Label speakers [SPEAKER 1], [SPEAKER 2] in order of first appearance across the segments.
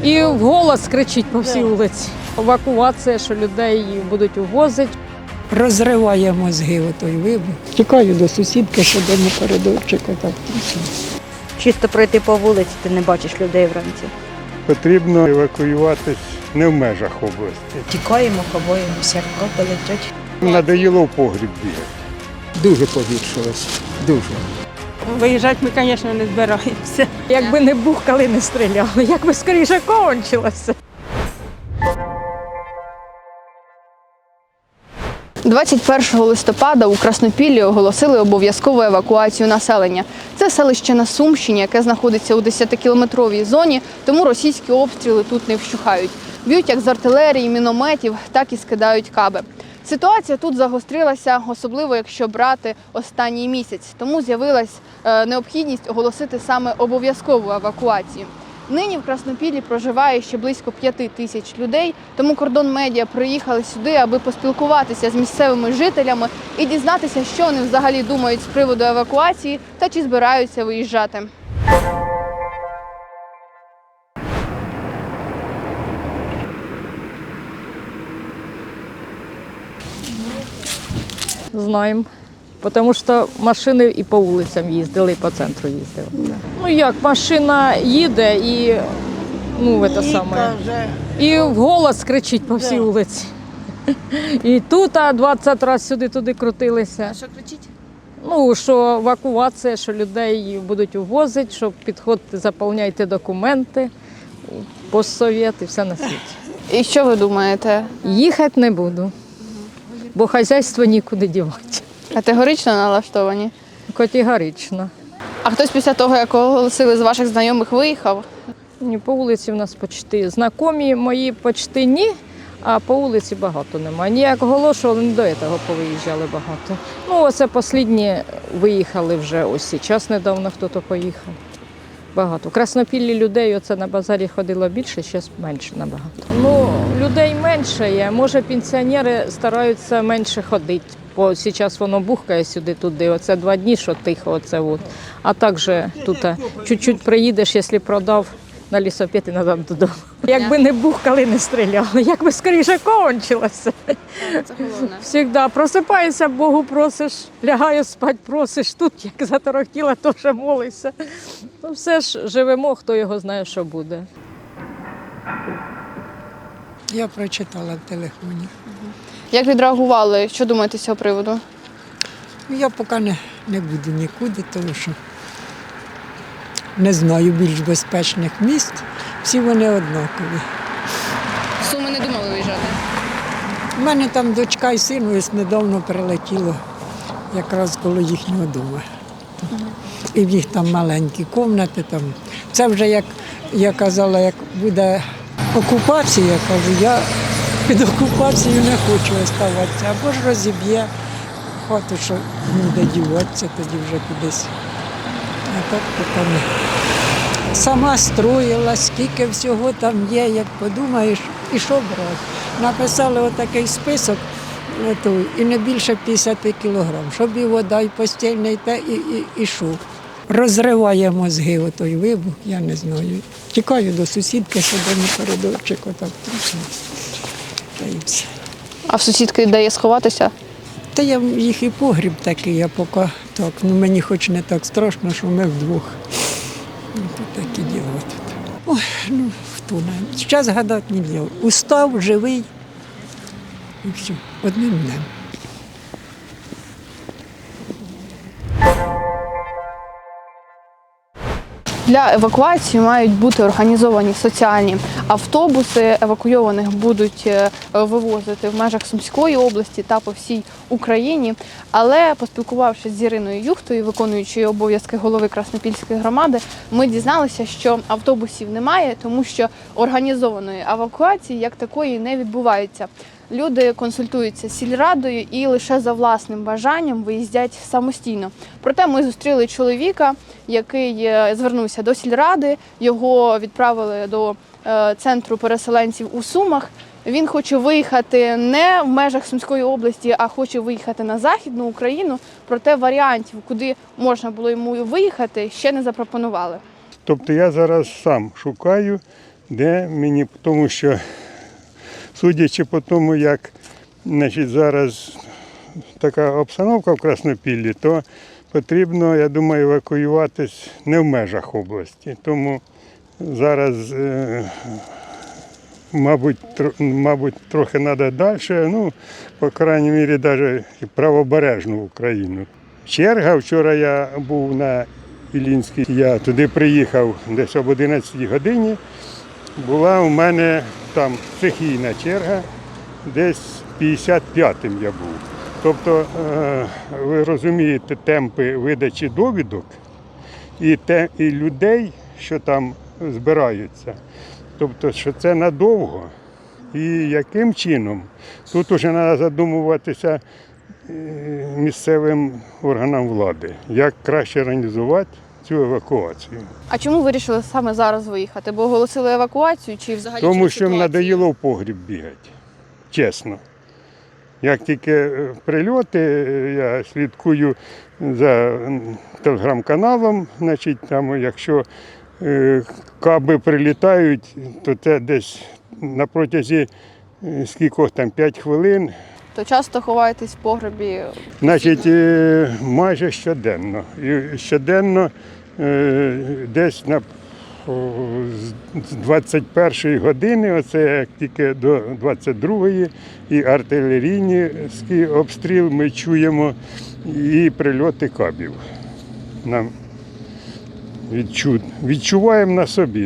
[SPEAKER 1] І вголос кричить по всій вулиці. Евакуація, що людей будуть увозити.
[SPEAKER 2] Розриває мозги отой вибух. Тікаю до сусідки, що дома коридорчика. Так.
[SPEAKER 3] Чисто пройти по вулиці, ти не бачиш людей вранці.
[SPEAKER 4] Потрібно евакуюватись не в межах області.
[SPEAKER 5] Тікаємо, ховаємося, як копи летять.
[SPEAKER 4] Надоїло в погріб бігати.
[SPEAKER 2] Дуже погіршилось. Дуже.
[SPEAKER 6] Виїжджати ми, звісно, не збираємося.
[SPEAKER 1] Якби не бухкали, не стріляли, якби скоріше кончилося.
[SPEAKER 7] 21 листопада у Краснопіллі оголосили обов'язкову евакуацію населення. Це селище на Сумщині, яке знаходиться у 10-кілометровій зоні, тому російські обстріли тут не вщухають. Б'ють як з артилерії, мінометів, так і скидають каби. Ситуація тут загострилася, особливо якщо брати останній місяць. Тому з'явилась необхідність оголосити саме обов'язкову евакуацію. Нині в Краснопіллі проживає ще близько 5 тисяч людей, тому Кордон Медіа приїхали сюди, аби поспілкуватися з місцевими жителями і дізнатися, що вони взагалі думають з приводу евакуації та чи збираються виїжджати.
[SPEAKER 1] Знаємо. Тому що машини і по вулицям їздили, і по центру їздили. Ну як, машина їде і, і вголос кричить по всій вулиці. І тут 20 разів сюди-туди крутилися.
[SPEAKER 7] А що кричить?
[SPEAKER 1] Ну, що евакуація, що людей будуть увозити, що підходьте, заповняйте документи, постсовєт і все на світі.
[SPEAKER 7] І що ви думаєте?
[SPEAKER 1] Їхати не буду, бо хазяйство нікуди дівати.
[SPEAKER 7] Категорично налаштовані?
[SPEAKER 1] Категорично.
[SPEAKER 7] А хтось після того, як оголосили, з ваших знайомих виїхав?
[SPEAKER 1] Ні, по вулиці в нас почти знайомі мої почти ні, а по вулиці багато немає. Ніяк оголошували, не до цього повиїжджали багато. Ну, оце останні виїхали вже, ось зараз недавно хтось поїхав. Багато. В Краснопіллі людей оце на базарі ходило більше, зараз менше набагато. Ну, людей менше є, може пенсіонери стараються менше ходити. Бо зараз воно бухкає сюди-туди, оце 2 дні, що тихо, оце от. А також тут чуть-чуть приїдеш, якщо продав на лісопед і назад додому. Якби не бухкали, не стріляли, якби скоріше кончилося.
[SPEAKER 7] Це головне.
[SPEAKER 1] Всегда просипаєшся, Богу просиш, лягаю спать, просиш, тут як заторохтіла, теж молишся. Ну все ж живемо, хто його знає, що буде.
[SPEAKER 2] Я прочитала в телефоні.
[SPEAKER 7] Як відреагували? Що думаєте з цього приводу?
[SPEAKER 2] Я поки не буду нікуди, тому що не знаю більш безпечних місць. Всі вони однакові.
[SPEAKER 7] Суми не думали виїжджати?
[SPEAKER 2] У мене там дочка і син ось недавно прилетіло, якраз коло їхнього дому. І в них там маленькі кімнати. Це вже, як я казала, як буде окупація, я кажу, я під окупацією не хочу оставатися. Або ж розіб'є хату, що буде діватися, тоді вже кудись. А так поки не. Сама строїла, скільки всього там є, як подумаєш, і що брати. Написали отакий список, і не більше 50 кілограм, щоб і вода, і постільне, і те, і що. Розриває мозги отой вибух, я не знаю. Тікаю до сусідки, що дома коридорчик, отак трохи. Та й все.
[SPEAKER 7] А в сусідки де є сховатися?
[SPEAKER 2] Та я їх і погріб такий, я поки так. Ну мені хоч не так страшно, що ми вдвох. Ну, то такі діла тут. Ой, ну хто не. Зараз гадати не можна. Устав, живий. І все, одним днем.
[SPEAKER 7] Для евакуації мають бути організовані соціальні автобуси. Евакуйованих будуть вивозити в межах Сумської області та по всій Україні. Але поспілкувавшись з Іриною Юхтою, виконуючою обов'язки голови Краснопільської громади, ми дізналися, що автобусів немає, тому що організованої евакуації як такої не відбувається. Люди консультуються з сільрадою і лише за власним бажанням виїздять самостійно. Проте ми зустріли чоловіка, який звернувся до сільради, його відправили до центру переселенців у Сумах. Він хоче виїхати не в межах Сумської області, а хоче виїхати на Західну Україну. Проте варіантів, куди можна було йому виїхати, ще не запропонували.
[SPEAKER 4] Тобто я зараз сам шукаю, Де мені, тому що, судячи по тому, як зараз така обстановка в Краснопіллі, то потрібно, я думаю, евакуюватись не в межах області. Тому зараз, мабуть, трохи треба далі, ну, по крайній мірі, навіть правобережну Україну. Черга, вчора я був на Іллінській, я туди приїхав десь об 11 годині. Була у мене там стихійна черга, десь 55-м я був. Тобто, ви розумієте, темпи видачі довідок і людей, що там збираються. Тобто, що це надовго. І яким чином? Тут вже треба задумуватися місцевим органам влади, як краще організувати цю евакуацію.
[SPEAKER 7] А чому вирішили саме зараз виїхати? Бо оголосили евакуацію чи взагалі?
[SPEAKER 4] Тому
[SPEAKER 7] через
[SPEAKER 4] що їм
[SPEAKER 7] ситуацію?
[SPEAKER 4] надоїло в погріб бігати, чесно. Як тільки прильоти, я слідкую за телеграм-каналом, значить, там, якщо каби прилітають, то це десь на протязі скількох там 5 хвилин.
[SPEAKER 7] То часто ховаєтесь в погребі?
[SPEAKER 4] Значить, майже щоденно. І щоденно десь з 21-ї години, оце як тільки до 22-ї, і артилерійний обстріл ми чуємо, і прильоти кабів. Нам відчуваємо на собі.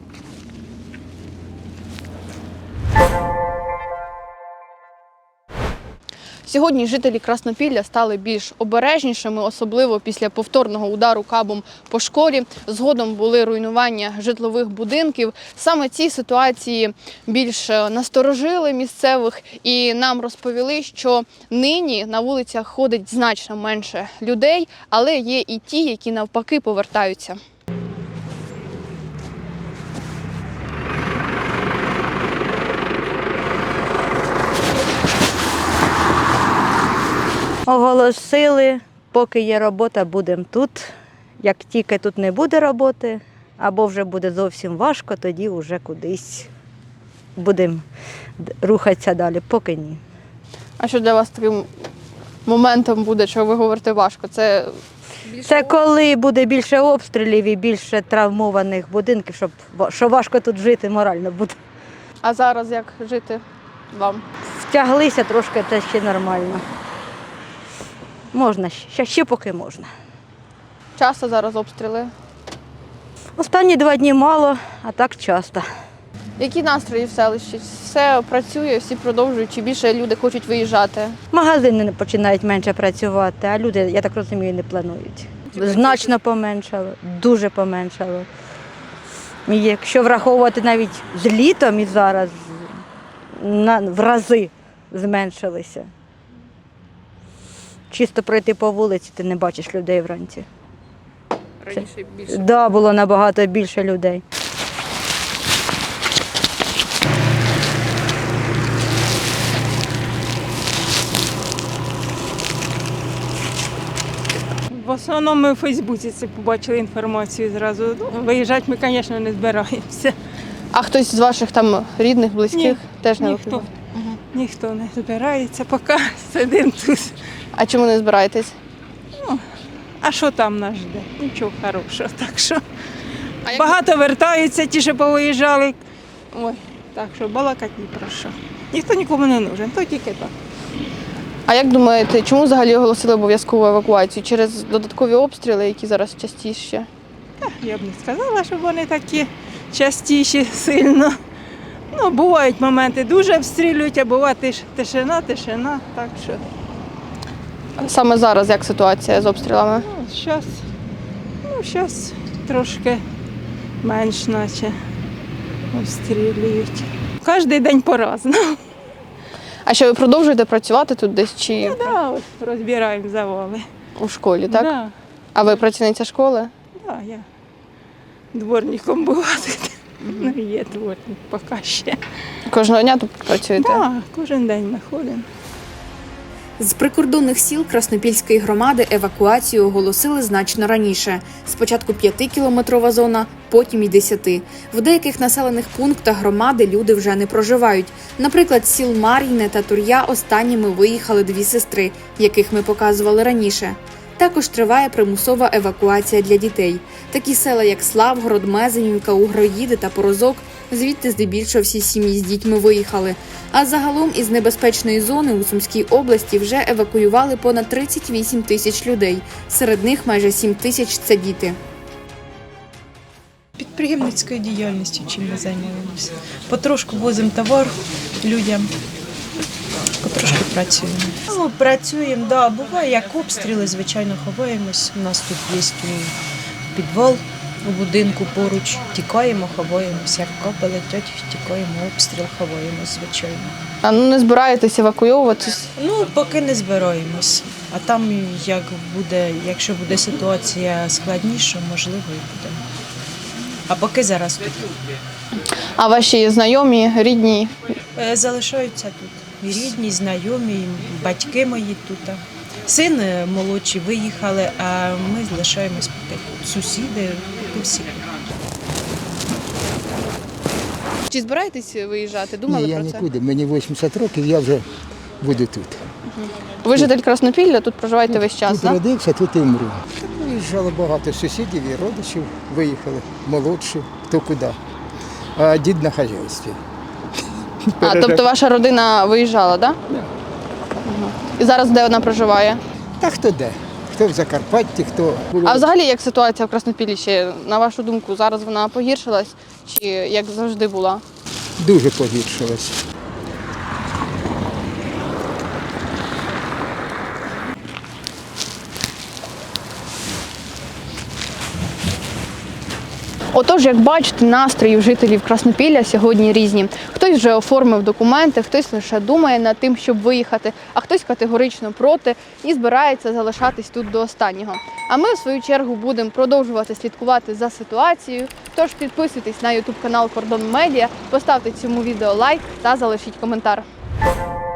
[SPEAKER 7] Сьогодні жителі Краснопілля стали більш обережнішими, особливо після повторного удару кабом по школі. Згодом були руйнування житлових будинків. Саме ці ситуації більш насторожили місцевих і нам розповіли, що нині на вулицях ходить значно менше людей, але є і ті, які навпаки повертаються.
[SPEAKER 3] Оголосили, поки є робота, будемо тут. Як тільки тут не буде роботи, або вже буде зовсім важко, тоді вже кудись будемо рухатися далі, поки ні.
[SPEAKER 7] А що для вас таким моментом буде, що ви говорите важко? Це
[SPEAKER 3] Коли буде більше обстрілів і більше травмованих будинків, що важко тут жити морально буде.
[SPEAKER 7] А зараз як жити вам?
[SPEAKER 3] Втяглися трошки, це ще нормально. Можна, ще поки можна.
[SPEAKER 7] Часто зараз обстріли?
[SPEAKER 3] Останні 2 дні мало, а так часто.
[SPEAKER 7] Які настрої в селищі? Все працює, всі продовжують, чи більше люди хочуть виїжджати?
[SPEAKER 3] Магазини починають менше працювати, а люди, я так розумію, не планують. Значно поменшало, дуже поменшало. І якщо враховувати навіть з літом і зараз, в рази зменшилися. Чисто пройти по вулиці, ти не бачиш людей вранці.
[SPEAKER 7] Раніше більше.
[SPEAKER 3] Так, було набагато більше людей.
[SPEAKER 6] В основному ми у Фейсбуці це побачили інформацію зразу. Ну, виїжджати ми, звісно, не збираємося.
[SPEAKER 7] А хтось з ваших там рідних, близьких
[SPEAKER 6] Ні,
[SPEAKER 7] теж не
[SPEAKER 6] ніхто.
[SPEAKER 7] виходить?
[SPEAKER 6] Ніхто не збирається, поки сидимо тут.
[SPEAKER 7] А чому не збираєтесь?
[SPEAKER 6] А що там нас жде? Нічого хорошого. Так що багато вертаються, ті, що повиїжджали. Ой, так що балакати ні про що. Ніхто нікому не нужен, то тільки так.
[SPEAKER 7] А як думаєте, чому взагалі оголосили обов'язкову евакуацію? Через додаткові обстріли, які зараз частіше?
[SPEAKER 6] Я б не сказала, що вони такі частіші сильно. Ну, бувають моменти, дуже обстрілюють, а буває тишина, так що.
[SPEAKER 7] Саме зараз як ситуація з обстрілами?
[SPEAKER 6] Зараз трошки менш наче обстрілюють. Кожен день по-разному.
[SPEAKER 7] А що ви продовжуєте працювати тут десь чи
[SPEAKER 6] Да, от розбираємо завали.
[SPEAKER 7] у школі, так?
[SPEAKER 6] Да,
[SPEAKER 7] А ви працівниця школи?
[SPEAKER 6] да, я дворником була тут. Ну, є дворник, поки ще.
[SPEAKER 7] Кожного дня тут працюєте?
[SPEAKER 6] Так, кожен день ми ходимо.
[SPEAKER 8] З прикордонних сіл Краснопільської громади евакуацію оголосили значно раніше. Спочатку 5-кілометрова зона, потім і 10. В деяких населених пунктах громади люди вже не проживають. Наприклад, з сіл Мар'їне та Тур'я останніми виїхали 2 сестри, яких ми показували раніше. Також триває примусова евакуація для дітей. Такі села, як Славгород, Мезенівка, Угроїди та Порозок, звідти здебільшого всі сім'ї з дітьми виїхали. А загалом із небезпечної зони у Сумській області вже евакуювали понад 38 тисяч людей. Серед них майже 7 тисяч – це діти.
[SPEAKER 5] Підприємницькою діяльністю чим ми займаємося. Потрошку возимо товар людям, потрошки працюємо. Ну, працюємо, да, буває як обстріли, звичайно, ховаємось. У нас тут є підвал у будинку поруч, тікаємо, ховаємося, як капи летять, тікаємо, обстріл, ховаємось, звичайно.
[SPEAKER 7] А ну не збираєтесь евакуйовуватись?
[SPEAKER 5] Ну, поки не збираємось. А там, як буде, якщо буде ситуація складніша, можливо, і буде. А поки зараз тут.
[SPEAKER 7] А ваші знайомі, рідні?
[SPEAKER 5] Залишаються тут. І рідні, і знайомі, і батьки мої тут. Син молодший виїхали, а ми залишаємось поки тут. Сусіди, всі.
[SPEAKER 7] Чи збираєтесь виїжджати? Думали
[SPEAKER 9] Ні, я
[SPEAKER 7] про це?
[SPEAKER 9] нікуди. Мені 80 років, я вже буду тут.
[SPEAKER 7] Ви житель Краснопілля, тут проживаєте весь час,
[SPEAKER 9] Тут
[SPEAKER 7] так?
[SPEAKER 9] родився, тут і вмру. Виїжджало багато сусідів і родичів, виїхали, молодші, хто куди. А дід на хазяйстві.
[SPEAKER 7] А, тобто ваша родина виїжджала, так? Да? І зараз де вона проживає?
[SPEAKER 9] Та хто де? Хто в Закарпатті, хто...
[SPEAKER 7] А взагалі як ситуація в Краснопіллі ще, на вашу думку, зараз вона погіршилась чи як завжди була?
[SPEAKER 9] Дуже погіршилось.
[SPEAKER 7] Отож, як бачите, настрої у жителів Краснопілля сьогодні різні. Хтось вже оформив документи, хтось лише думає над тим, щоб виїхати, а хтось категорично проти і збирається залишатись тут до останнього. А ми, в свою чергу, будемо продовжувати слідкувати за ситуацією. Тож підписуйтесь на YouTube канал Кордон Медіа, поставте цьому відео лайк та залишіть коментар.